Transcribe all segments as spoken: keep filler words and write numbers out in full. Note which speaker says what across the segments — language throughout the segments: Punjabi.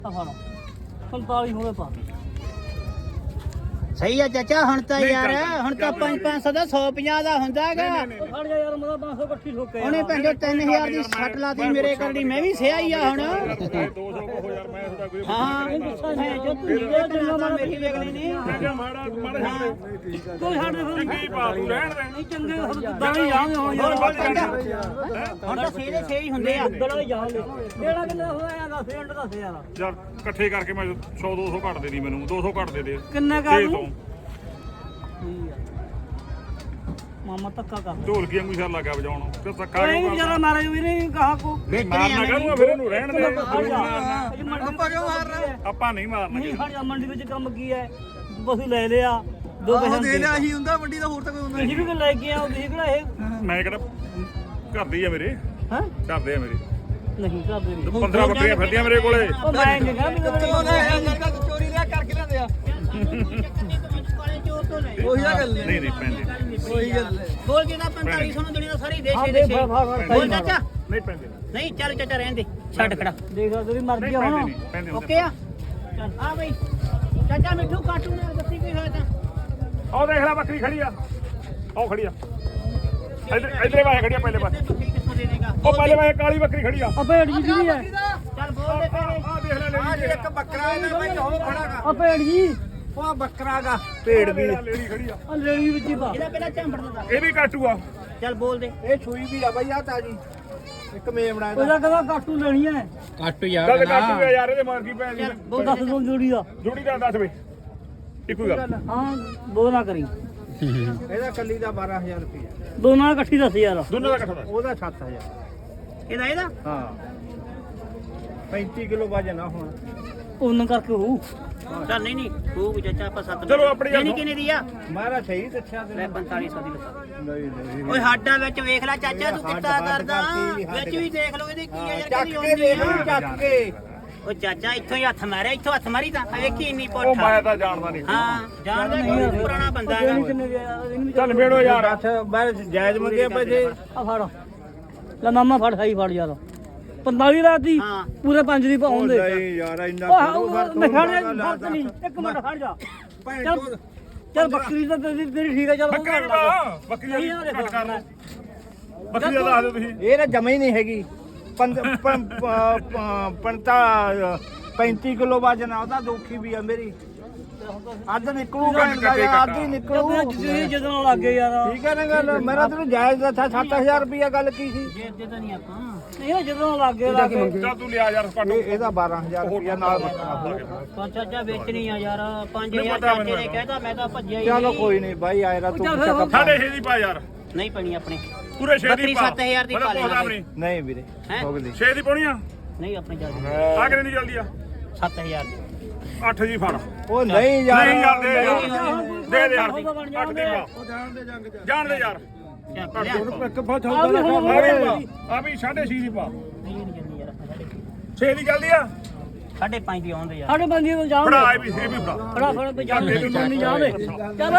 Speaker 1: ਪੰਤਾਲੀ ਹੋਵੇ ਪਾ
Speaker 2: ਸਹੀ ਆ ਚਾਚਾ ਹੁਣ ਤਾਂ ਯਾਰ ਹੁਣ ਤਾਂ ਪੰਜ ਪੰਜ ਸੌ ਦਾ ਸੌ ਪੰਜਾਹ ਦਾ ਹੁੰਦਾ ਹੈਗਾ
Speaker 1: ਖੜ ਜਾ ਯਾਰ ਮੇਰਾ ਪੰਜ ਸੌ ਇਕੱਠੀ ਠੋਕੇ
Speaker 2: ਉਹਨੇ ਭੈਣੋ ਤਿੰਨ ਹਜ਼ਾਰ ਦੀ ਛੱਟ ਲਾਤੀ ਮੇਰੇ ਕਰਨੀ ਮੈਂ ਵੀ ਸਿਆ ਹੀ ਆ ਹੁਣ
Speaker 3: ਦੋ ਸੌ ਕਹੋ ਯਾਰ ਮੈਂ ਤੁਹਾਡਾ ਕੋਈ
Speaker 2: ਹਾਂ ਜੋ ਤੂੰ ਇਹ ਜਿੰਨਾ ਮਾੜਾ ਮੇਰੀ ਵੇਖਣੀ ਨਹੀਂ
Speaker 3: ਮਾੜਾ ਮਾੜਾ
Speaker 1: ਕੋਈ ਛੱਡ ਦੇ
Speaker 3: ਚੰਗੀ ਪਾ ਤੂੰ ਰਹਿਣ ਦੇ
Speaker 1: ਨਹੀਂ ਚੰਗੇ ਦਾਣੇ ਜਾਣਗੇ ਹੁਣ ਯਾਰ
Speaker 2: ਹੁਣ ਤਾਂ ਛੇ ਦੇ ਛੇ ਹੀ ਹੁੰਦੇ ਆ
Speaker 1: ਦਾਣੇ ਜਾਣਗੇ ਕਿਹੜਾ ਕਿੰਨਾ ਹੋਇਆ ਦੱਸ ਮਿੰਟ ਦੱਸ ਯਾਰ
Speaker 3: ਯਾਰ ਇਕੱਠੇ ਕਰਕੇ ਮੈਂ ਸੌ ਦੋ ਸੌ ਘੱਟ ਦੇ ਦੀ ਮੈਨੂੰ ਦੋ ਸੌ ਘੱਟ ਦੇ ਦੇ
Speaker 1: ਕਿੰਨਾ ਕਰ ਲੂ ਮਾਮਾ ਧੱਕਾ ਕਰ
Speaker 3: ਢੋਲਕੀ ਵਾਂਗੂ ਸਿਰ ਲੱਗਾ ਵਜਾਉਣ ਤੇ ਧੱਕਾ
Speaker 1: ਕੋਈ ਵੀ ਜਰਾ ਮਾਰੇ ਵੀ ਨਹੀਂ ਕਹਾ ਕੋ
Speaker 3: ਮਾਰਨਾ ਕਰੂੰਗਾ ਫਿਰ ਇਹਨੂੰ ਰਹਿਣ ਦੇ
Speaker 1: ਆਪਾਂ ਕਿਉਂ ਮਾਰ ਰਹੇ
Speaker 3: ਆਪਾਂ ਨਹੀਂ ਮਾਰਨਾ
Speaker 1: ਨਹੀਂ ਖੜ ਜਾ ਮੰਡੀ ਵਿੱਚ ਕੰਮ ਕੀ ਹੈ ਬਸ ਲੈ ਲਿਆ ਦੋ ਪੈਸੇ ਦੇ ਲਿਆ
Speaker 4: ਅਸੀਂ ਹੁੰਦਾ ਮੰਡੀ ਦਾ ਹੋਰ ਤਾਂ ਕੋਈ ਹੁੰਦਾ
Speaker 1: ਤੁਸੀਂ ਵੀ ਲੈ ਕੇ ਆਓ ਤੁਸੀਂ ਕਿਹੜਾ ਇਹ
Speaker 3: ਮੈਂ ਕਿਹੜਾ ਘਰ ਦੇ ਹੀ ਆ ਮੇਰੇ
Speaker 1: ਹਾਂ
Speaker 3: ਘਰ ਦੇ ਆ ਮੇਰੇ
Speaker 1: ਨਹੀਂ ਕਰਦੇ ਨਹੀਂ
Speaker 3: ਪੰਦਰਾਂ ਬੱਕਰੀਆਂ ਫਿਰਦੀਆਂ ਮੇਰੇ ਕੋਲੇ
Speaker 1: ਉਹ ਮੈਂ ਨਹੀਂ ਕਹਿੰਦਾ
Speaker 4: ਚੋਰੀ ਲਿਆ ਕਰਕੇ ਲੈਂਦੇ ਆ ਉਹੀ ਆ ਗੱਲ
Speaker 3: ਨਹੀਂ ਨਹੀਂ ਪੈਂਦੇ
Speaker 4: ਉਹੀ ਗੱਲ
Speaker 2: ਬੋਲ ਕੇ ਦਾ ਪੰਤਾਲੀ ਸੌ ਨੂੰ ਦੁਨੀਆ ਸਾਰੀ ਦੇਸ਼ ਦੇ
Speaker 1: ਦੇ
Speaker 2: ਛੇ
Speaker 1: ਫੜ ਫੜ
Speaker 2: ਬੋਲ ਚਾਚਾ
Speaker 3: ਨਹੀਂ ਪੈਂਦੇ
Speaker 2: ਨਹੀਂ ਚੱਲ ਚਾਚਾ ਰਹਿਣ ਦੇ ਛੱਡ ਖੜਾ
Speaker 1: ਦੇਖ ਤੇਰੀ ਮਰਜ਼ੀ ਆ
Speaker 3: ਪੈਂਦੇ
Speaker 1: ਹੁਣ
Speaker 3: ਨਹੀਂ ਪੈਂਦੇ
Speaker 2: ਓਕੇ ਆ ਚੱਲ ਆ ਬਈ ਚਾਚਾ ਮਿੱਠੂ ਕਾਟੂ ਨਾਲ ਦੱਸੀ ਕੀ ਹੋਇਆ ਤਾਂ
Speaker 3: ਉਹ ਦੇਖ ਲੈ ਬੱਕਰੀ ਖੜੀ ਆ ਉਹ ਖੜੀ ਆ ਇਧਰ ਇਧਰੇ ਵਾਹੇ ਖੜੀ ਆ ਪਹਿਲੇ ਪਾਸੇ
Speaker 2: ਤੂੰ ਕਿੱਥੋਂ ਦੇ ਦੇਗਾ
Speaker 3: ਉਹ ਪਹਿਲੇ ਵਾਹੇ ਕਾਲੀ ਬੱਕਰੀ ਖੜੀ ਆ
Speaker 1: ਆ ਭੇਡ ਜੀ ਕਿਹਦੀ ਹੈ
Speaker 2: ਚੱਲ ਬੋਲ ਦੇ ਤੇਰੇ
Speaker 3: ਆ ਦੇਖ ਲੈ ਲੈ
Speaker 4: ਇੱਕ ਬੱਕਰਾ ਇਹਦਾ ਬਾਈ ਉਹ ਖੜਾਗਾ
Speaker 1: ਆ ਭੇਡ ਜੀ
Speaker 4: ਉਹ ਬੱਕਰਾਗਾ ਭੇਡ ਵੀ
Speaker 3: ਲੇੜੀ ਖੜੀ ਆ
Speaker 1: ਆ ਲੈਣੀ ਵਿੱਚ ਹੀ ਪਾ
Speaker 2: ਇਹਦਾ ਪਹਿਲਾਂ ਝੰਬੜ ਦਾ
Speaker 3: ਇਹ ਵੀ ਕਾਟੂ ਆ
Speaker 2: ਚੱਲ ਬੋਲ ਦੇ
Speaker 4: ਇਹ ਛੂਈ ਵੀ ਆ ਬਾਈ ਆ ਤਾਜੀ ਇੱਕ ਮੇਮਣਾ ਇਹਦਾ
Speaker 1: ਉਹਦਾ ਕਹਿੰਦਾ ਕਾਟੂ ਲੈਣੀ ਹੈ
Speaker 3: ਗੱਲ ਕਾਟੂ ਆ ਯਾਰ ਇਹਦੇ ਮਾਰ ਕੀ ਪੈ
Speaker 2: ਚੱਲ
Speaker 3: ਗਈ
Speaker 2: ਬੋਲ
Speaker 1: ਦੱਸ ਦੋ ਜੋੜੀ ਦਾ
Speaker 3: ਜੁੜੀ ਦਾ ਦੱਸ ਵੇ ਇੱਕੋ ਗੱਲ
Speaker 1: ਹਾਂ ਦੋ ਨਾ ਕਰੀ
Speaker 4: ਇਹਦਾ ਕੱਲੀ ਦਾ ਬਾਰਾਂ ਹਜ਼ਾਰ ਰੁਪਇਆ
Speaker 1: ਦੋਨਾਂ ਇਕੱਠੀ ਦੱਸ ਯਾਰ
Speaker 3: ਦੋਨਾਂ ਦਾ ਇਕੱਠਾ
Speaker 4: ਉਹਦਾ ਸੱਤ ਹਜ਼ਾਰ
Speaker 2: ਇਹਦਾ ਇਹਦਾ
Speaker 4: ਹਾਂ ਪੈਂਤੀ ਕਿਲੋ ਵਜਨ ਆ ਹੁਣ
Speaker 1: ਉਹਨਾਂ ਕਰਕੇ ਹੋਊ
Speaker 2: ਚੱਲ ਨਹੀਂ ਨਹੀਂ ਹੋਊ ਚਾਚਾ ਆਪਾਂ ਸੱਤ
Speaker 3: ਚਲੋ ਆਪਣੀ ਗੱਲ
Speaker 2: ਨਹੀਂ ਕਿੰਨੇ ਦੀ ਆ
Speaker 4: ਮਾਰਾ ਸਹੀ ਦੱਸਿਆ
Speaker 2: ਲੈ
Speaker 4: ਤੈਨੂੰ
Speaker 2: ਪੰਤਾਲੀ ਸੌ ਦੀ ਲੱਗਾ
Speaker 4: ਨਹੀਂ ਨਹੀਂ
Speaker 2: ਓਏ ਹਾਡਾ ਵਿੱਚ ਵੇਖ ਲੈ ਚਾਚਾ ਤੂੰ ਕਿੱਦਾਂ
Speaker 4: ਹੱਡ
Speaker 2: ਕਰਦਾ
Speaker 4: ਕਰਤੀ, ਹੱਡ
Speaker 2: ਵਿੱਚ ਵੀ ਦੇਖ ਲਓ ਇਹਦੀ ਕੀ ਆ ਯਾਰ
Speaker 4: ਚੱਕ
Speaker 2: ਕਿਹਦੀ
Speaker 4: ਕੇ
Speaker 2: ਹੁੰਦੀ
Speaker 4: ਦੇਖ
Speaker 2: ਆ
Speaker 4: ਚੱਕ ਕੇ
Speaker 2: ਉਹ ਚਾਚਾ ਇੱਥੋਂ ਹੀ ਹੱਥ ਮਾਰਿਆ ਇੱਥੋਂ ਹੱਥ ਮਾਰੀ ਤਾਂ ਆ ਵੇਖੀ ਇੰਨੀ
Speaker 3: ਉਹ
Speaker 2: ਪੁੱਠਾ
Speaker 3: ਮੈਂ ਤਾਂ ਜਾਣਦਾ ਨਹੀਂ
Speaker 2: ਹਾਂ ਜਾਣਦਾ ਨਹੀਂ ਪੁਰਾਣਾ ਬੰਦਾ ਹੈਗਾ
Speaker 1: ਦੇਣੀ ਕਿੰਨੇ ਦੀ ਆ ਯਾਰ ਇਹਨੂੰ ਵੀ
Speaker 3: ਚੱਲ ਮੇੜੋ ਯਾਰ
Speaker 4: ਅੱਛ ਮੈਂ ਜਾਇਜ਼ ਮੰਗੇ ਪੈਸੇ
Speaker 1: ਆ ਫੜ ਲੈ ਮਾਮਾ ਫੜ ਖਾਈ ਫੜ ਯਾਰ ਪੰਤਾਲੀ ਰਾਤ ਦੀ
Speaker 2: ਹਾਂ।
Speaker 1: ਪੂਰੇ ਪੰਜ ਦੀ ਪਾਉਣ ਦੇ
Speaker 4: ਨਹੀਂ ਯਾਰ ਇੰਨਾ
Speaker 1: ਉਹ ਮੈਂ ਖੜ ਜਾ ਫਰਕ ਨਹੀਂ ਇੱਕ ਮਿੰਟ ਖੜ ਜਾ ਚੱਲ ਚੱਲ ਬੱਕਰੀ ਤਾਂ ਤੇਰੀ ਤੇਰੀ ਠੀਕ ਹੈ ਚੱਲ
Speaker 3: ਬੱਕਰੀ ਵੀ ਪਾ ਬੱਕਰੀ
Speaker 1: ਨਹੀਂ
Speaker 3: ਦਾ
Speaker 1: ਆ ਦੇਖੋ
Speaker 3: ਘੱਟ ਕਰ ਲਓ ਬੱਕਰੀ ਦਾ ਦੱਸ ਦਿਓ ਤੁਸੀਂ
Speaker 4: ਇਹ ਨਾ ਜਮਾ ਹੀ ਨਹੀਂ ਹੈਗੀ ਪੰਜ ਪੰ- ਪ- ਪ- ਪੰਤਾ ਪੈਂਤੀ ਕਿਲੋ ਵਜਨ ਆ ਉਹਦਾ ਦੋਖੀ ਵੀ ਆ ਮੇਰੀ ਅੱਜ ਨਿਕਲੂ ਕਹਿੰਦਾ ਯਾਰ ਅੱਜ ਹੀ ਨਿਕਲੂ
Speaker 1: ਜਿੱਦ ਜਦੋਂ ਲੱਗੇ ਯਾਰ
Speaker 4: ਠੀਕ ਹੈ ਨਾ ਗੱਲ ਮੇਰਾ ਤੈਨੂੰ ਜਾਇਜ਼ ਦੱਸਿਆ ਸੱਤ ਹਜ਼ਾਰ ਰੁਪਇਆ ਗੱਲ ਕੀ ਸੀ
Speaker 2: ਜੇ ਦੇ ਤਾਂ ਨਹੀਂ ਆਪਾਂ
Speaker 1: ਨਹੀਂ ਨਾ ਜਦੋਂ ਲੱਗੇ ਲੱਗੇ
Speaker 3: ਚੱਲ ਤੂੰ ਲਿਆ ਯਾਰ ਪਾਟੋ
Speaker 4: ਇਹ ਇਹਦਾ ਬਾਰਾਂ ਹਜ਼ਾਰ ਰੁਪਇਆ ਨਾਲ ਬੱਕਰਾ
Speaker 2: ਤਾਂ ਚਾਚਾ ਵੇਚਣੀ ਆ ਯਾਰ ਪੰਜ ਹਜ਼ਾਰ ਚਾਚੇ ਨੇ ਕਹਿਤਾ ਮੈਂ ਤਾਂ ਭੱਜਿਆ ਹੀ
Speaker 4: ਚਲੋ
Speaker 2: ਨਹੀਂ
Speaker 4: ਕੋਈ ਨਹੀਂ ਬਾਈ ਆਇਰਾ ਤੂੰ
Speaker 1: ਚੱਲ ਫਿਰ
Speaker 4: ਚੱਕ
Speaker 3: ਸਾਡੇ ਛੇ ਦੀ ਪਾ ਯਾਰ
Speaker 2: ਨਹੀਂ ਪਣੀ ਆਪਣੇ
Speaker 3: ਪੂਰੇ ਛੇ ਦੀ
Speaker 2: ਬੱਕਰੀ
Speaker 3: ਪਾ
Speaker 2: ਸੱਤ ਹਜ਼ਾਰ ਦੀ ਪਾ ਲੈਣਾ
Speaker 3: ਆਪਣੀ
Speaker 4: ਨਹੀਂ ਵੀਰੇ
Speaker 2: ਹੈਂ?
Speaker 4: ਹੋ ਗਈ
Speaker 3: ਛੇ ਦੀ ਪਾਉਣੀ ਆ
Speaker 2: ਨਹੀਂ ਆਪਣੇ ਜਾ
Speaker 3: ਆ ਕਿੰਨੀ ਦੀ ਜਲਦੀ ਆ
Speaker 2: ਸੱਤ ਹਜ਼ਾਰ ਦੀ
Speaker 3: ਅੱਠ ਦੀ ਫੜ
Speaker 4: ਉਹ ਨਹੀਂ ਯਾਰ
Speaker 3: ਨਹੀਂ ਯਾਰ ਦੇ ਯਾਰ ਦੇ ਦੇ ਯਾਰ
Speaker 1: ਬਣ
Speaker 3: ਅੱਠ ਦੀ ਪਾ ਜਾਣ ਦੇ ਯਾਰ
Speaker 2: ਚੱਲ ਲਿਆ।
Speaker 4: ਇੱਕ ਬਹੁਤ
Speaker 1: ਆ ਵੀ ਹੁਣ
Speaker 3: ਆ ਵੀ ਪਾ ਆ ਵੀ ਸਾਢੇ ਛੇ ਦੀ ਪਾ
Speaker 2: ਨਹੀਂ ਨਹੀਂ ਜਲਦੀ ਯਾਰ ਆਪਾਂ ਸਾਡੇ
Speaker 3: ਛੇ ਦੀ ਜਲਦੀ ਆ
Speaker 2: ਸਾਢੇ ਪੰਜ ਦੀ ਆਉਂਦੇ ਯਾਰ
Speaker 1: ਸਾਡੇ ਬੰਦੀ ਨੂੰ ਜਾਣ
Speaker 3: ਫੜਾ ਇਹ ਵੀ ਇਹ ਵੀ ਫੜਾ
Speaker 1: ਫੜਾ ਫੜਾ ਤੇ ਜਾਣ ਦੇ ਨਹੀਂ ਜਾਣ ਦੇ ਚੱਲ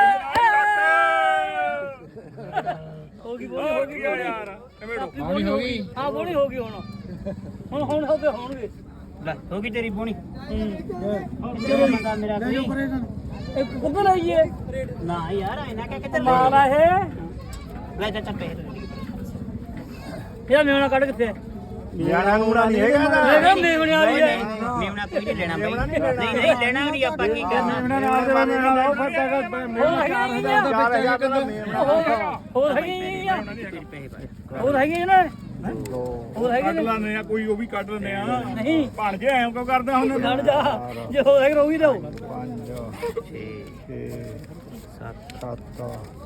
Speaker 1: ਹੋ ਗਈ ਬੋਲੀ ਹੋ ਗਈ
Speaker 3: ਯਾਰ ਐਵੇਂ
Speaker 1: ਬੋਲੀ ਹੋ ਗਈ ਹਾਂ ਬੋਲੀ ਹੋ ਗਈ ਹੁਣ ਹੁਣ ਹੁਣ ਹੋ ਗਏ ਹੋਣਗੇ
Speaker 2: ਲੈ ਹੋ ਗਈ ਤੇਰੀ ਬੋਣੀ
Speaker 1: ਹੂੰ
Speaker 2: ਜਦੋਂ ਬੰਦਾ ਮੇਰਾ ਕੋਈ
Speaker 1: ਇੱਕ ਕੁੱਬਲ ਆਈਏ
Speaker 2: ਨਾ ਯਾਰ ਇਹਨਾਂ ਕਹਿ ਕਿੱਧਰ
Speaker 1: ਮਾਲ ਆ ਇਹ
Speaker 2: ਲੈ ਚਾਚਾ ਪੈਸੇ
Speaker 1: ਇਹਦਾ ਮੇਵਣਾ ਕੱਢ ਕਿੱਥੇ
Speaker 4: ਯਾਰਾਂ ਨੂੰ ਨਹੀਂ ਹੈਗਾ ਨਾ
Speaker 1: ਹੈਗਾ ਮੇਵਣੇ ਵਾਲੀ ਹੈ
Speaker 2: ਮੇਵਣਾ ਕੋਈ ਨਹੀਂ ਲੈਣਾ ਬਈ ਨਹੀਂ ਨਹੀਂ ਲੈਣਾ ਨਹੀਂ ਆਪਾਂ ਕੀ ਕਰਨਾ
Speaker 4: ਨਾਲ ਦੇ ਨਾਲ ਉਹ ਫਟਾ
Speaker 1: ਹੋਰ ਹੈਗੀ
Speaker 4: ਚਾਰ ਹਜ਼ਾਰ ਦਾ ਮੇਮਣਾ
Speaker 1: ਹੋਰ ਹੈਗੀ ਆ
Speaker 2: ਤੇਰੇ ਪੈਸੇ ਪਾ
Speaker 1: ਹੋਰ ਹੈਗੀ ਨਾ ਹੋਰ ਹੈਗੀ
Speaker 3: ਕੱਢ
Speaker 1: ਨੇ
Speaker 3: ਲੈਂਦੇ ਆ ਕੋਈ ਉਹ ਵੀ ਕੱਢ ਲੈਂਦੇ ਆ
Speaker 1: ਨਹੀਂ
Speaker 3: ਭਣ ਜੇ ਐਂ ਕਿਉਂ ਕਰਦਾ ਹੁਣ
Speaker 1: ਖੜ ਜਾ ਜੇ ਹੋਰ ਹੈਗੀ ਰੋਈ ਦੋ
Speaker 4: ਪੰਜ
Speaker 2: ਛੇ
Speaker 4: ਛੇ
Speaker 2: ਸੱਤ
Speaker 4: ਸੱਤ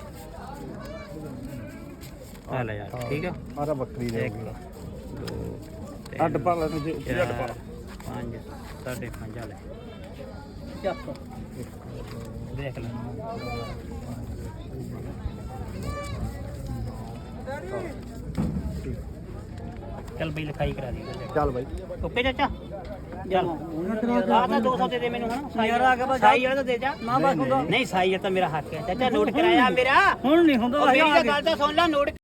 Speaker 2: ਆ ਲੈ ਯਾਰ ਠੀਕ ਆ
Speaker 4: ਆਰਾ ਬੱਕਰੀ ਦੇ
Speaker 3: ਅੱਡ ਪਾ ਲੈ ਤੁਸੀਂ ਉੱਤੇ ਅੱਡ ਪਾ
Speaker 2: ਪੰਜ ਸਾਢੇ ਪੰਜ ਆ ਲੈ
Speaker 1: ਚੱਕ
Speaker 2: ਦੇਖ ਲੈ ਚੱਲ ਬਈ ਲਿਖਾਈ ਕਰਾ ਦੀ
Speaker 4: ਚੱਲ ਬਾਈ
Speaker 2: ਓਕੇ ਚਾਚਾ ਚੱਲ ਆ ਤਾਂ ਦੋ ਸੌ ਦੇ ਦੇ ਮੈਨੂੰ ਹਨਾ
Speaker 1: ਯਾਰ ਆ ਕੇ ਬਸ
Speaker 2: ਸਾਈ ਵਾਲਾ ਤਾਂ ਦੇ ਜਾ
Speaker 1: ਨਾ ਬਸ ਹੁੰਦਾ
Speaker 2: ਨਹੀਂ ਸਾਈ ਤਾਂ ਮੇਰਾ ਹੱਕ ਹੈ ਚਾਚਾ ਨੋਟ ਕਰਾਇਆ ਮੇਰਾ
Speaker 1: ਹੁਣ ਨਹੀਂ ਹੁੰਦਾ
Speaker 2: ਉਹ ਮੇਰੀ ਤਾਂ ਗੱਲ ਤਾਂ ਸੁਣ ਲੈ ਨੋਟ